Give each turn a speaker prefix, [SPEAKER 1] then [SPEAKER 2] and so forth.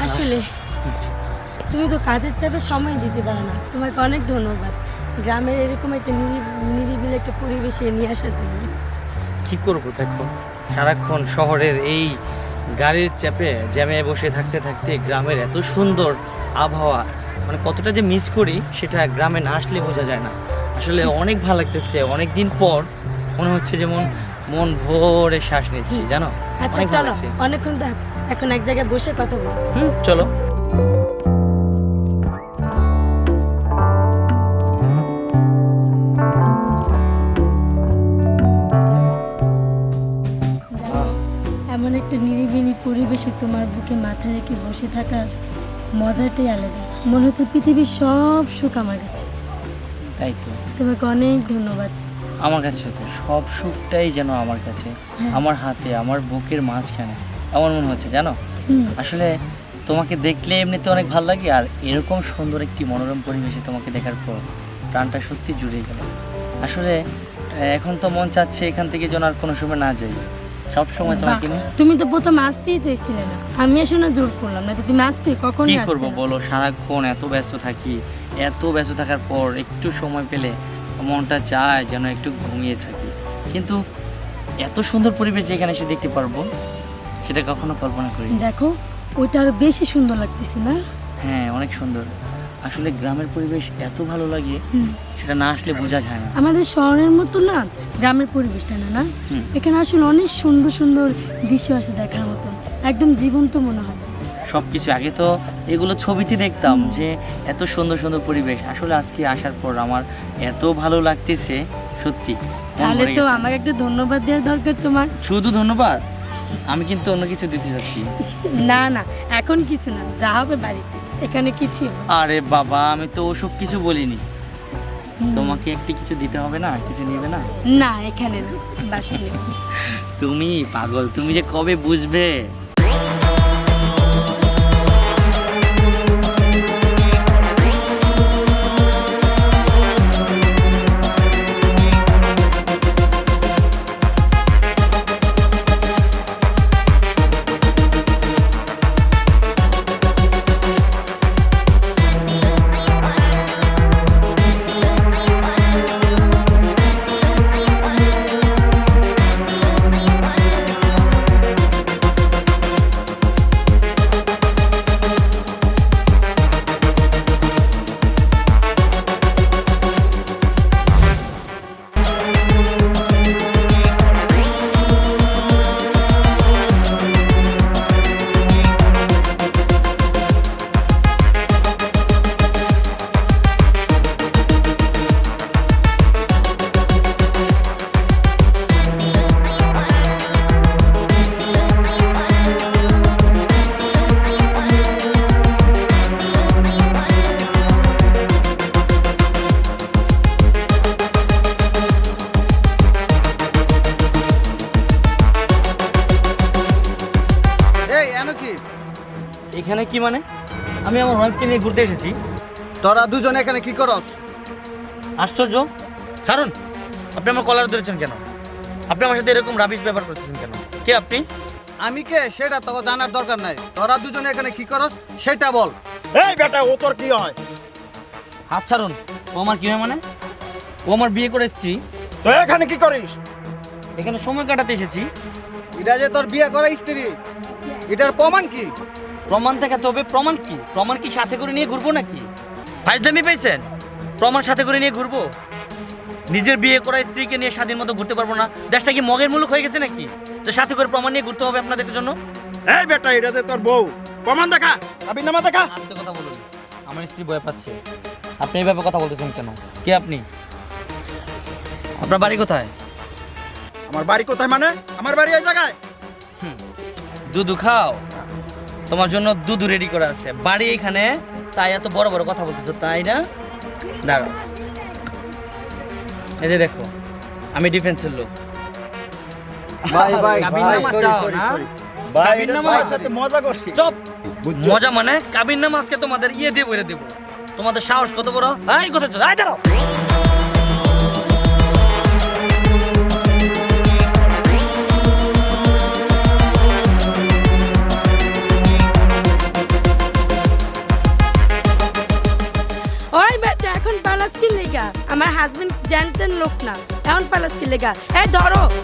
[SPEAKER 1] আসলে তুমি তো কাজের চাপে সময় দিতে পারো না, তোমাকে অনেক ধন্যবাদ গ্রামের এরকম একটা নিরিবিলি একটা পরিবেশে নিয়ে আসার জন্য।
[SPEAKER 2] কি করব দেখো, সারাক্ষণ শহরের এই গাড়ির চাপে জ্যামে বসে থাকতে থাকতে গ্রামের এত সুন্দর আবহাওয়া মানে কতটা যে মিস করি সেটা গ্রামে না আসলে বোঝা যায় না। আসলে অনেক ভালো লাগতেছে, অনেক দিন পর মনে হচ্ছে যেমন মন ভরে শ্বাস নিচ্ছি জানো।
[SPEAKER 1] আচ্ছা
[SPEAKER 2] অনেক ভালো
[SPEAKER 1] চলো,
[SPEAKER 2] লাগছে।
[SPEAKER 1] অনেকক্ষণ তো এখন এক জায়গায় বসে কথা বলো।
[SPEAKER 2] চলো।
[SPEAKER 1] এমন একটা নিরিবিলি পরিবেশে তোমার বুকে মাথা রেখে বসে থাকার মজাটাই আলাদা। মনে হচ্ছে পৃথিবীর সব সুখ আমার কাছে।
[SPEAKER 2] তাই তো,
[SPEAKER 1] তোমাকে অনেক ধন্যবাদ।
[SPEAKER 2] আমার কাছে তো সব সুখটাই যেন আমার কাছে, আমার হাতে, আমার বুকের মাঝখানে এমন মনে হচ্ছে জানো। আসলে তোমাকে দেখলে এমনিতে অনেক ভালো লাগে, আর এরকম সুন্দর একটি মনোরম পরিবেশে তোমাকে দেখার পর প্রাণটা সত্যি জুড়ে গেল। আসলে এখন তো মন চাচ্ছে এখান থেকে যেন আর কোনো সময় না যাই, সব সময় তোমাকে নিয়ে।
[SPEAKER 1] তুমি তো প্রথম আসতেই চাইছিলে না, আমি এসে না জোর করলাম না তো তুমি আসতে কখন
[SPEAKER 2] কি করবো বলো, সারাক্ষণ এত ব্যস্ত থাকি, এত ব্যস্ত থাকার পর একটু সময় পেলে মনটা চায় যেন একটু ঘুমিয়ে থাকি, কিন্তু এত সুন্দর পরিবেশ যেখানে এসে দেখতে পারবো সেটা কখনো কল্পনা করি।
[SPEAKER 1] দেখো ওইটা আরো বেশি সুন্দর লাগতেছে না?
[SPEAKER 2] হ্যাঁ অনেক সুন্দর। আসলে গ্রামের পরিবেশ এত ভালো লাগে, সেটা না আসলে বোঝা যায় না।
[SPEAKER 1] আমাদের শহরের মতো না গ্রামের পরিবেশটা না, এখানে আসলে অনেক সুন্দর সুন্দর দৃশ্য আছে দেখার মতো, একদম জীবন্ত মনে হয়
[SPEAKER 2] সব কিছু। আগে তো এগুলো ছবিতে দেখতাম যে এত সুন্দর সুন্দর পরিবেশ, আসলে আজকে আসার পর আমার এত ভালো লাগতেছে সত্যি।
[SPEAKER 1] তাহলে তো আমাকে একটা ধন্যবাদ দেওয়া দরকার তোমার।
[SPEAKER 2] শুধু ধন্যবাদ? আমি কিন্তু অন্য কিছু দিতে যাচ্ছি।
[SPEAKER 1] না না, এখন কিছু না, যা হবে বাড়িতে, এখানে কিছু।
[SPEAKER 2] আরে বাবা, আমি তো ওসব কিছু বলিনি। তোমাকে একটি কিছু দিতে হবে না? কিছু নিবে না?
[SPEAKER 1] না এখানে না, বাসায় নেব।
[SPEAKER 2] তুমি পাগল, তুমি যে কবে বুঝবে। এখানে কি মানে? আমি আমার ওয়াইফকে নিয়ে ঘুরতে এসেছি।
[SPEAKER 3] তোরা দুজন এখানে কি করস?
[SPEAKER 2] আশ্চর্য, ছাড়ুন। আপনি আমার কলার ধরেছেন কেন? আপনি আমার সাথে এরকম রাবিশ ব্যবহার করতেছেন কেন? কে আপনি?
[SPEAKER 3] আমি কে সেটা তোকে জানার দরকার নাই। তোরা দুজন এখানে কি করস সেটা বল।
[SPEAKER 4] এই বেটা, ও তোর কি হয়?
[SPEAKER 2] হাত ছাড়ুন। ও আমার কি হয় মানে? ও আমার বিয়ে করে স্ত্রী।
[SPEAKER 4] তো এখানে কি করিস?
[SPEAKER 2] এখানে সময় কাটাতে এসেছি।
[SPEAKER 3] এটা যে তোর বিয়ে করা স্ত্রী, এটার প্রমাণ কি?
[SPEAKER 2] প্রমাণ দেখাতে হবে। প্রমাণ কি? প্রমাণ কি সাথে করে নিয়ে ঘুরবো নাকি? ফাইজলামি পাইছেন? প্রমাণ সাথে করে নিয়ে ঘুরবো? নিজের বিয়ে করা স্ত্রীকে নিয়ে স্বাধীন মতো ঘুরতে পারবো না? দেশটা কি মগের মুলুক হয়ে গেছে নাকি তো সাথে করে প্রমাণ নিয়ে ঘুরতে হবে আপনাদের জন্য?
[SPEAKER 4] এই বেটা, এটা যে তোর বউ, প্রমাণ দেখা, আবিনামা দেখা।
[SPEAKER 2] আস্তে কথা বলুন, আমার স্ত্রী ভয় পাচ্ছে। আপনি এইভাবে কথা বলতেছেন কেন? কে আপনি? আপনার বাড়ি কোথায়?
[SPEAKER 4] আমার বাড়ি কোথায় মানে? আমার বাড়ি এই জায়গায়।
[SPEAKER 2] দুধু খাও, তোমার জন্য দুধ রেডি করা আছে। বাড়ি এখানে, তাই এত বড় বড় কথা বলতেছো তাই না? দাঁড়াও, এই যে দেখো, আমি ডিফেন্সের লোক।
[SPEAKER 3] ভাই ভাই
[SPEAKER 2] কাবিননামা চাও না?
[SPEAKER 4] ভাই,
[SPEAKER 2] কাবিননামা
[SPEAKER 4] ভাইয়ের সাথে মজা করছি।
[SPEAKER 2] চুপ। মজা মানে কাবিননামা আজকে তোমাদের ইয়ে দিয়ে বলে দেবো। তোমাদের সাহস কত বড়? এই কথা চল, এই দাঁড়াও।
[SPEAKER 5] লেগা। এই ধরো।